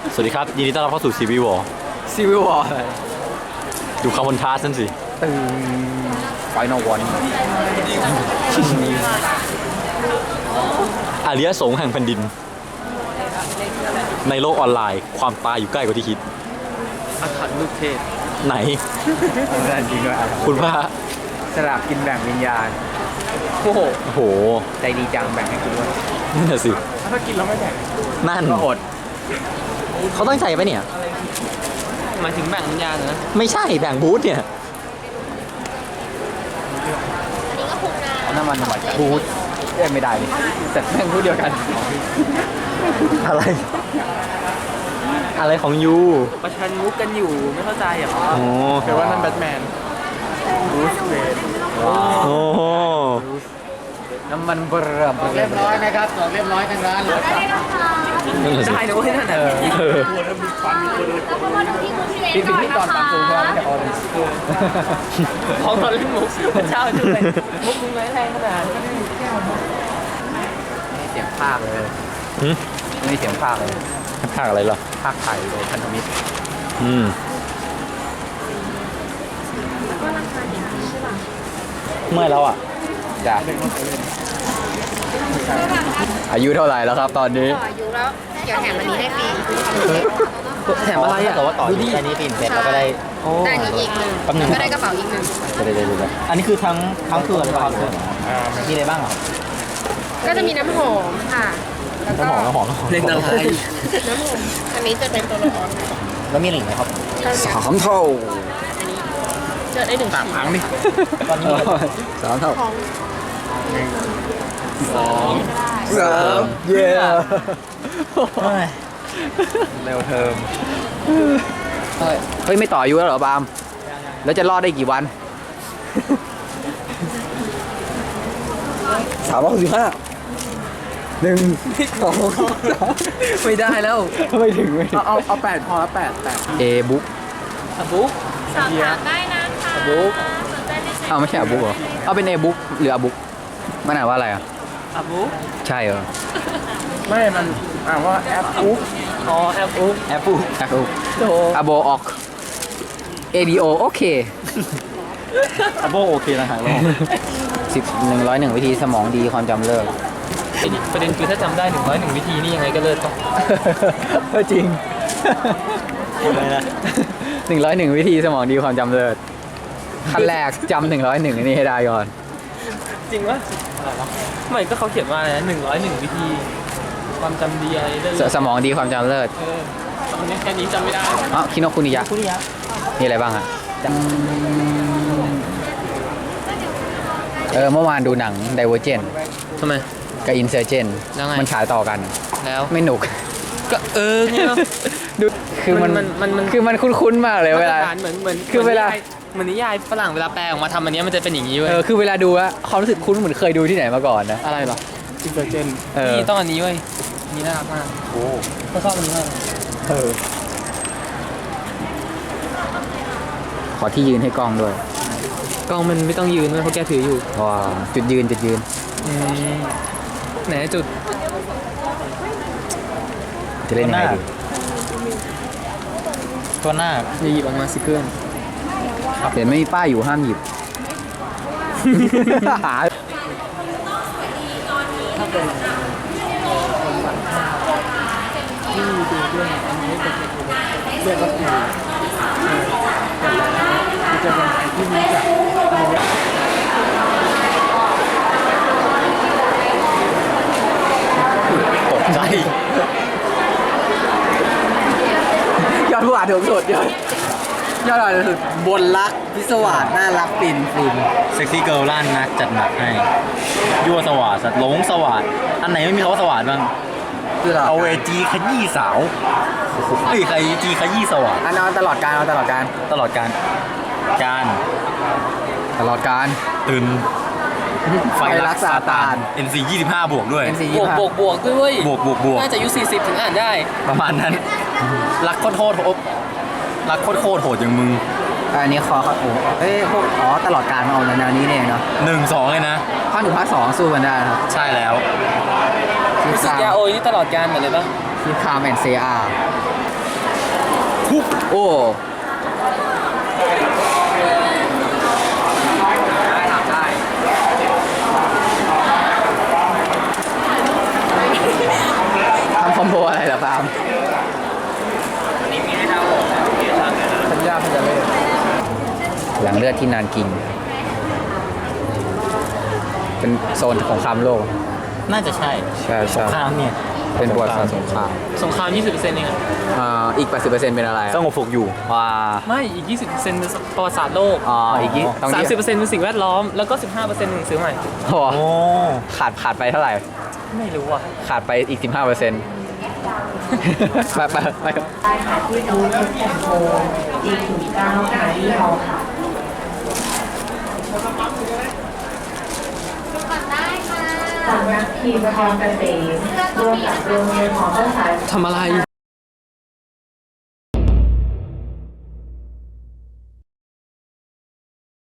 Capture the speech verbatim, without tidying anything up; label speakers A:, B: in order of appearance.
A: สวัสดีครับยินดีต้อนรับเข้าสู่ซีวิววอร์
B: ซีวิววอร์
A: ดูคาร์บอนทาสนั่นสิ
B: ตึงไฟนอลวัน
A: อาริยสงฆ์แห่งแผ่นดิน ในโลกออนไลน์ความตายอยู่ใกล้กว่าที่คิด
B: อาถรรพ์ลูกเทพ
A: ไหน
B: นั่นจริงด้วย
A: คุณว่า
B: สลากกินแบ่งวิญญาณโอ้โห
A: โอ้โห
B: ใจดีจังแบ่งให้กูด้วย
A: นั่นแหละสิ
B: ถ้ากินแล้วไม่แบ่ง
A: นั่น
B: ก็อด
A: เขาตั้งใจปะเนี่ย
B: หมายถึงแบ่งวิญญาณนะ
A: ไม่ใช่แบ่งบูธเนี่ย
B: น้ำมันหวานบูธเอ้ไม่ได้เลยแต่แบ่งบูธเดียวกัน
A: อะไรอะไรของยู
B: ประชันมุกกันอยู่ไม่เข้าใจเหรอ
A: โอ้
B: แปลว่านั่นแบทแมนบูธเวท
A: โอ้โห
B: น้ำมันเบอร์เรียบร้อยนะครับเรียบร้อยทั้งร้านเลยได้นะเว้ยนั่นแหละพี่พี่พี่ตอนปังตูใช่ไหมออนของตอนเล่นมุกเช่าจุดเลยมุกมึงไม่แรงขนาดนี้เสียงภาคเลยไม่เสียงภาคเลย
A: ภาคอะไรหรอ
B: ภาคไทยเลยพันธมิตร
A: อืมเมื่อแล้วอ่ะ
B: จ้ะอายุเท่าไหร่แล้วครับตอนนี้
C: อายุแล้วเดี๋ยวแถมอันนี้ให้ฟรี
B: แถมอะไรอ่ะ
A: แต่ว่าต่อดูดิอันนี้ปิ่นเสร็จเราก็ได้
C: ได้นี้อีกหนึ่งก็ได้กระเป๋าอีกหนึ่ง
A: เดี๋ยวเดี๋ยวเดี๋ยวอันนี้คือทั้งทั้งเครือเลยป่ะครับมีอะไรบ้างอ่ะ
C: ก็จะมีน้ำหอมค่ะ
A: น้ำหอมน้ำหอมน้ำหอม
B: เล่นอะไร
C: น้ำหอมอันนี้จะเป็นตัวละคร
A: แล้วมีอะไรอีกไหมครับ
B: สามเท่า
C: เจอได้หนึ่ง
B: สามครั้งดิสามเท่าสองสามเย้เร็วเทอมเฮ้ยไม่ต่ออายุแล้วเหรอบามแล้วจะรอดได้กี่วันสามร้อยหกสิบห้าหนึ่งสองไม่ได้แล้วไม่ถึงไม่เอาเอาเอาแปดพอแล้วแปดแปดเอบุ๊กอะบุ๊ก
C: สอบถามได้นะคะ
B: อะบุ๊กเอาไม่ใช่อะบุ๊กเหรอเอาเป็นเอบุ๊กหรืออะบุ๊กมันอ่านว่าอะไรอ่ะ
C: อะบุ๊ก
B: ใช่เหรอไม่มันอ่านว่าแอปบุ๊กอ๋อแอปบุ๊กแอปบุ๊กแอปบุ๊กอะโบออกเอดีโอโอเค
A: อะโบโอเคนะฮะ
B: สิบหนึ่งร้อยหนึ่งวิธีสมองดีความจำเลิก
D: ประเด็นคือถ้าจำได้หนึ่งร้อยหนึ่งวิธีนี่ยังไงก็เลิศต้อง
B: จริง
A: อะไรนะ
B: หนึ่งร้อยหนึ่งวิธีสมองดีความจำเลิศขั้นแรกจำหนึ่งร้อยหนึ่งนี่ให้ได้ก่อน
D: จริงวะไม่ก็เขาเขียนว่าอะไรนะหนึ่งร้อยหนึ่งวิธีความจำดีอะไรเลิศ
B: สมองดีความจำเลิศ
D: เออตอนนี้แค่นี้จำไม่ได้
B: อ๋อคิโนคุนิยะ
D: คุนิยะ
B: มีอะไรบ้างอ่ะเออเมื่อวานดูหนัง Divergent
D: ทำไม
B: กับ Insurgent มันฉายต่อกัน
D: แล้ว
B: ไม่หนุก
D: ก็เออเนี่ย
B: ดูคือมันมันคือมันคุ้นๆมากเลยเวลา
D: เหมือนเหมือน
B: คือเวลา
D: เหมือนนิยายฝรั่งเวลาแปลออกมาทำอันนี้มันจะเป็นอย่างนี้เว้ย
B: เออคือเวลาดูอะความรู้สึกคุ้นเหมือนเคยดูที่ไหนมาก่อนนะ
D: อะไรหรอ
B: Insurgent
D: เออต้องอันนี้เว้ยนี่น่ารักมากโอ้ก็ชอบอันนี้มาก
B: เออขอที่ยืนให้กล้องด้วย
D: กล้องมันไม่ต้องยืนเพราะแกถืออยู่
B: ว้าจุดยืนจุดยืน
D: ไหนจุด
B: จะเล่นยังไงดี
A: ตัวหน้า
D: หยิบออกมาสิเพื่อน
B: เห็นไม่มีป้ายอยู่ห้ามหยิบหาที่ดูด้วยอันนี้เป็นเรียกว่าคือจะเป็นที่รู้จัก
A: ตกใจ
B: ยอดผู้อ่านถูกสุดยอดยอดอ่านถูกสุดบนรักพิศวาสน่ารักปิ่นฟิน
A: เซ็กซี่เกิร์ลล้านนักจัดหนักให้ยั่วสวัสดิ์หลงสวัสดิ์อันไหนไม่มีคำว่าสวัสดิ์บ้างเอาเวจีขยี้สาวเฮ้ยใครจีขยี้สวัสดิ์
B: อันนั้นตลอดการเอาตลอดการ
A: ตลอดการการ
B: ตลอดการ
A: ตื่น
B: ไฟรักซาตาน
A: เอ็น ซี ยี่สิบห้าบวกด้วย
D: บวกบวกบวกด้วย
A: บวกบวกบวก
D: น่าจะอายุสี่สิบถึงอ่านได้
A: ประมาณนั้นรักโคตรโหดรักโคตรโหดโหดอย่างมึง
B: อันนี้คอเขาโอ้เอ้พวกอ๋อตลอดการมาเอาแนวนี้เนี่ยเนาะ
A: หนึ่งสองเลยนะ
B: ภาคหนึ่งภาคสองสู้กันได้ครับ
A: ใช่แล้ว
D: รู้สึกยาโอยนี่ตลอดการเหมือนเลยปะ
B: คือคาร์แมนเซีย
A: คุก
B: โอ้ทำคอมโบอะไรเหรอฟาร์มสัญญาพันจะเล่นหลังเลือดที่นานกิน เป็นโซนของคามโลก
A: น่าจะใช่
B: ใช่ใช่
A: ข้ามเนี่ย
B: เป็นประวัติศาสตร์สงคราม
D: สงคราม ยี่สิบเปอร์เซ็นต์ เองอะ
B: อ่าอีก แปดสิบเปอร์เซ็นต์ เป็นอะไร
A: สงบสุขอยู่
B: ว้า
D: ไม่ อีก ยี่สิบเปอร์เซ็นต์ เป็นประวัติศาสตร์โลก
B: อ๋ออีกยี่ต้อง
D: สาม
B: ยี่
D: สิบเปอร์เซ็นต์ เป็นสิ่งแวดล้อม แล้วก็ สิบห้าเปอร์เซ็นต์ หนึ่งซื้อใหม่
B: โอ้
A: โอ้
B: ขาดขาดไปเท่าไหร่
D: ไม่รู้อ่ะ
B: ขาดไปอีก สิบห้าเปอร์เซ็นต์ ไปไปไป
E: ได้ค่ะที่โน้ตแอนโทจีถึงเก้าค่ะที่เราค่ะ สำนักพิมพ์พรเกษมร่วมกับโรงเรียนหอภาษา
B: ทำอะไร